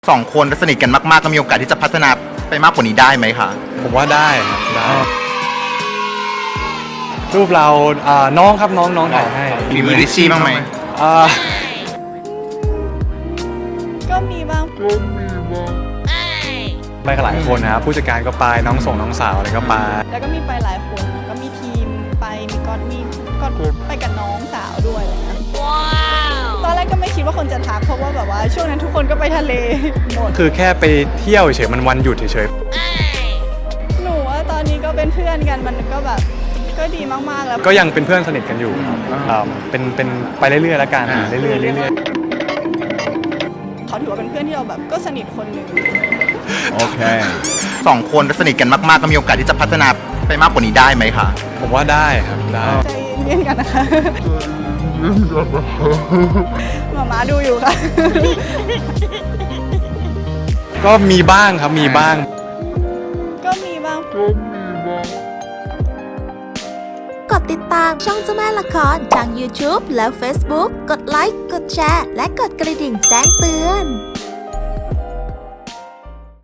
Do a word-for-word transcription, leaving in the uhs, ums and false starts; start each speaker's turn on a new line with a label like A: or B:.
A: สองคนสนิทกันมากๆก็มีโอกาสที่จะพัฒนาไปมากกว่านี้ได้ไหมคะ
B: ผมว่าได้ครับได้รูปเราอ่าน้องครับน้องน้องถ่ายให้
A: มีมือริชชี่บ้างไหม
B: อ่า
C: ก็มีบ้าง
B: ไปกับหลายคนนะครับผู้จัดการก็ไปน้องส่งน้องสาวอะไรก็ไป
C: แล้วก็มีไปหลายคนก็มีทีมไปมีก๊อตมีก๊อตไปกับน้องสาวด้วยอะไรเงี้ยว้าวตอนแรกก็ไม่คิดว่าคนจะทักเพราะว่าแบบว่าช่วงนั้นทุกคนก็ไปทะเลหมด
B: คือแค่ไปเที่ยวเฉยมันวันหยุดเฉย
C: หนูว่าตอนนี้ก็เป็นเพื่อนกันมันก็แบบก็ดีมากๆแล้ว
B: ก็ยังเป็นเพื่อนสนิทกันอยู่ครับเป็นเป็นไปเรื่อยๆแล้วกันเรื่อยๆเรื่อย
C: ๆเขาถือว่าเป็นเพื่อนที่เราแบบก็สนิทคนหนึ่ง
A: โอเคสองคนสนิทกันมากๆก็มีโอกาสที่จะพัฒนาไปมากกว่านี้ได้ไหมคะ
B: ผมว่าได้ครับได้
C: ใจเย็นกันนะคะหมาม้าดูอยู่ค่ะ
B: ก็มีบ้างครับมีบ้าง
C: ก็มีบ้าง
D: กดติดตามช่องเจ้าแม่ละครทาง YouTube และ Facebook กดไลค์กดแชร์และกดกระดิ่งแจ้งเตือน